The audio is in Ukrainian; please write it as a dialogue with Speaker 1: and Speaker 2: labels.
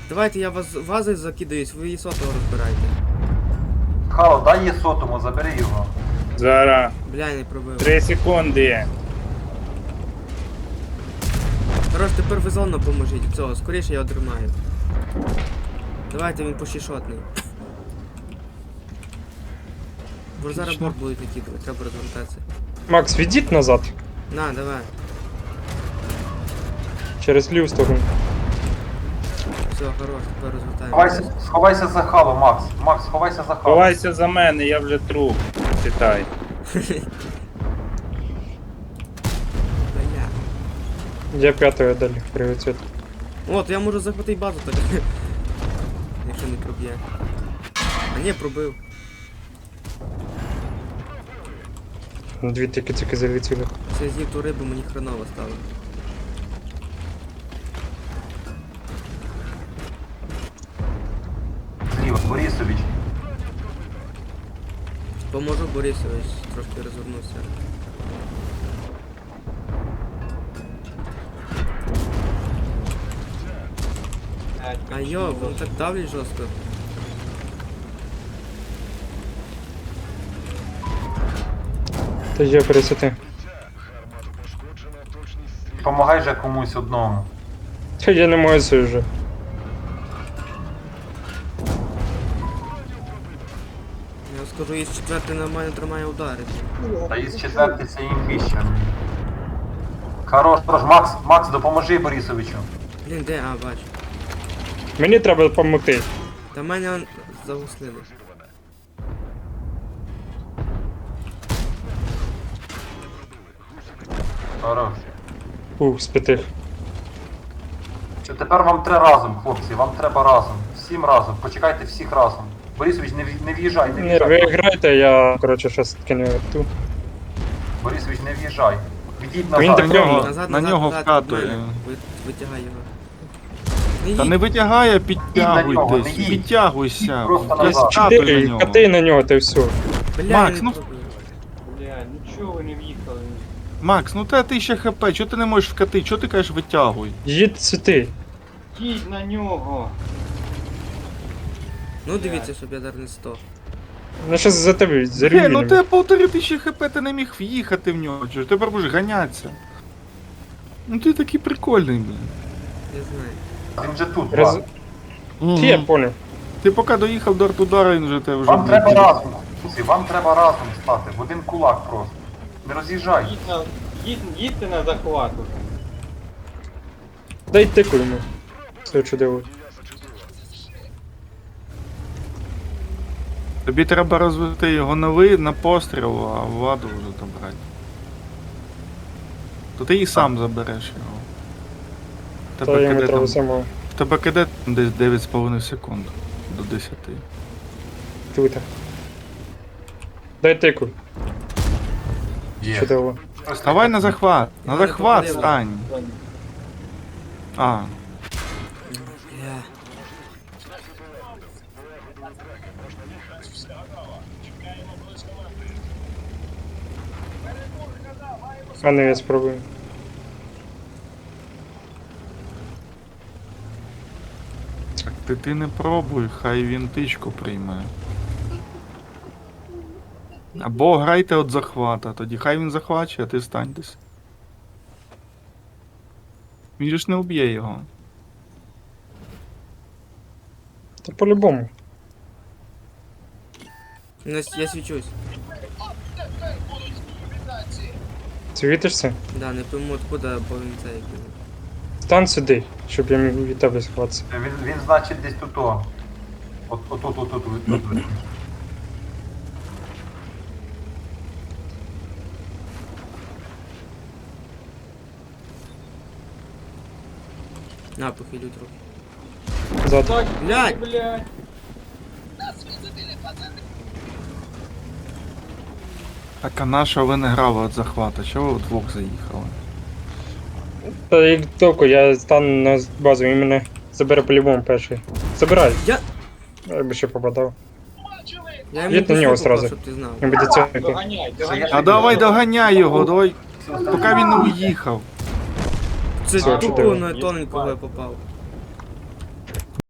Speaker 1: Давайте я вас вазою закидаюсь, ви її сотого розбирайте.
Speaker 2: Хало, дай її сотому, забери його.
Speaker 3: Зараз.
Speaker 1: Бля, не пробив.
Speaker 3: 3 секунди.
Speaker 1: Хорош, тепер ви зону поможіть. Цього, скоріше я отримаю. Давайте він пошішотний. Бо зараз борт будуть накидувати, треба розвертатися.
Speaker 4: Макс, відійдь назад.
Speaker 1: На, давай.
Speaker 4: Через ліву сторону.
Speaker 1: Все, хорош, тепер розвертаємося.
Speaker 2: Сховайся за Хало, Макс. Макс, сховайся за Хало.
Speaker 3: Ховайся за мене, я вже труп. Читай.
Speaker 1: Бля.
Speaker 4: Я п'ятою далі, привіт, Світ.
Speaker 1: От, я можу захватити базу так. Якщо не проб'є. А ні, пробив.
Speaker 4: Дві тільки залетіли.
Speaker 1: Це з'їв ту рибу, мені хреново стало.
Speaker 2: Зліва, Борисович.
Speaker 1: Поможу Борисович, трошки розвернувся. А йо, він так давлять жорстко.
Speaker 4: Та є пересити.
Speaker 2: Помагай же комусь одному.
Speaker 4: Та я не можу це вже.
Speaker 1: Я скажу, із четвертий нормально тримає удари.
Speaker 2: Та із четвертий це імбіще. Хорош, Макс, допоможи Борисовичу.
Speaker 1: Блін, де? А, бачу.
Speaker 4: Мені треба допомогти.
Speaker 1: Та мене он загуслили.
Speaker 2: Хорош.
Speaker 4: З п'ятих.
Speaker 2: Тепер вам три разом, хлопці, вам треба разом. Всім разом, почекайте всіх разом. Борисович, не в'їжджай, не
Speaker 4: Ні, ви
Speaker 2: в'їжджай.
Speaker 4: грайте, я, коротше, щас таки не верту.
Speaker 2: Борисович, не в'їжджай. Відійдь
Speaker 4: Він
Speaker 2: назад.
Speaker 4: так прямо.
Speaker 1: Назад,
Speaker 5: на
Speaker 1: назад,
Speaker 5: нього
Speaker 1: назад,
Speaker 5: вкатує.
Speaker 1: від мене. Витягай його.
Speaker 5: Та
Speaker 1: їдь.
Speaker 5: не витягає,
Speaker 2: на
Speaker 5: підтягуй
Speaker 2: нього, не
Speaker 5: десь.
Speaker 2: їдь.
Speaker 5: Підтягуйся.
Speaker 2: Просто
Speaker 5: Я
Speaker 2: назад.
Speaker 5: скатую на
Speaker 4: Чотири,
Speaker 5: нього.
Speaker 4: кати на нього, та й все.
Speaker 1: Бля,
Speaker 5: Макс,
Speaker 1: я
Speaker 5: ну-
Speaker 1: не пробив.
Speaker 6: Бля, нічого ви не в'їхали.
Speaker 5: Макс, ну те ти ще хп, чого ти не можеш вкати? Чого ти кажеш витягуй?
Speaker 4: Їдь сюди.
Speaker 6: Їдь на нього.
Speaker 1: Ну дивіться, щоб я дар не 100.
Speaker 4: Ну щас за тебе
Speaker 5: Ну
Speaker 4: зарівняємо.
Speaker 5: тебе 1500 хп, ти не міг в'їхати в нього, чого ж тепер будеш ганятися. Ну ти такий прикольний, блін.
Speaker 1: Я знаю.
Speaker 2: Він же тут,
Speaker 4: Раз...
Speaker 2: Макс.
Speaker 4: Ті, я понял.
Speaker 5: Ти поки доїхав до артудара, він вже тебе вже...
Speaker 2: Вам треба разом, хлопці, вам треба разом стати, в один кулак просто. Не роз'їжджай.
Speaker 6: Їдьте на захват уже.
Speaker 4: Дай тику йому. Все чудово.
Speaker 5: Тобі треба розвити його на постріл, а владу вже там брати. То ти і сам забереш його.
Speaker 4: Та
Speaker 5: Тебе
Speaker 4: йому
Speaker 5: киде
Speaker 4: треба
Speaker 5: там...
Speaker 4: самого.
Speaker 5: В тебе киде десь 9,5 секунд до 10.
Speaker 4: Тут. Дай тику.
Speaker 2: Є.
Speaker 4: Чудово.
Speaker 5: Вставай на захват! На
Speaker 1: Я не
Speaker 5: захват
Speaker 1: попадаю.
Speaker 5: стань! А,
Speaker 1: Бля.
Speaker 4: А ну я спробую.
Speaker 5: так ти не пробуй, хай він тичку прийме. Або грайте від захвата, тоді хай він захвачує, а ти стань десь. Він же ж не вб'є його.
Speaker 4: Та по-любому.
Speaker 1: Я свічусь.
Speaker 4: Світишся?
Speaker 1: Да, не пойму откуда, бо він цей.
Speaker 4: Стань сюди, щоб я міг від тебе схватися.
Speaker 2: Він значить десь тут. Отут.
Speaker 1: На, похилю трохи.
Speaker 4: Ззаду.
Speaker 6: Так,
Speaker 1: Блядь!
Speaker 6: блядь.
Speaker 5: Так а на що ви не грали від захвата? Чого ви вдвох заїхали?
Speaker 4: Та як тільки я стану на базу, він мене забере по-любому перший. Забирай. Я би ще попадав.
Speaker 1: Я йому
Speaker 4: Їдь на нього
Speaker 1: пішов,
Speaker 4: сразу.
Speaker 1: щоб ти знав.
Speaker 4: Не буде цього.
Speaker 6: Доганяй, доганяй.
Speaker 5: А давай доганяй його, давай. Поки він не уїхав.
Speaker 1: Це
Speaker 4: Все,
Speaker 1: тупо
Speaker 4: чудово.
Speaker 1: на тоненького я попав.